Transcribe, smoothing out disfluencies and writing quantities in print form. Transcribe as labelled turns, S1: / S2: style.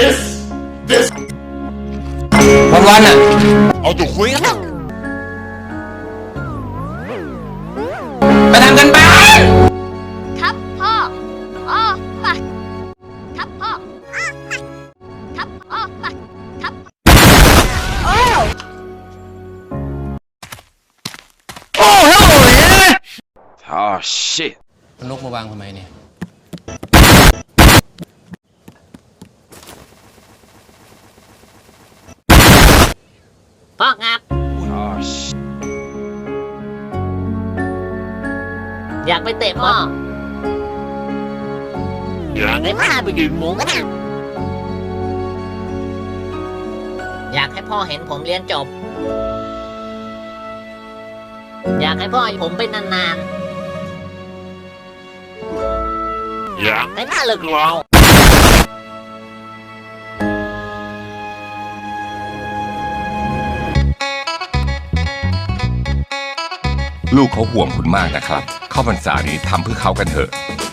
S1: วันๆอ่ะ
S2: เอาตัวคุยกัน
S1: ไปทำกันบ้าน
S3: ครับพ่ออ๋อมาครับพ่อครับอ๋อมาครับ
S1: โอ้โห
S2: Oh shit
S1: นกมาวางทำไมเนี่ย
S3: พ่อครับ
S2: Oh shit
S3: อยากไปเตะบอลอยากให้พาไปดื่มหมูกระทะอยากให้พ่อเห็นผมเรียนจบ อยากให้พ่อให้ผมไปนานๆอยากให้พ่อเลิกรอ
S4: ลูกเขาห่วงคุณมากนะครับเข้าพรรษานี้ทำเพื่อเขากันเถอะ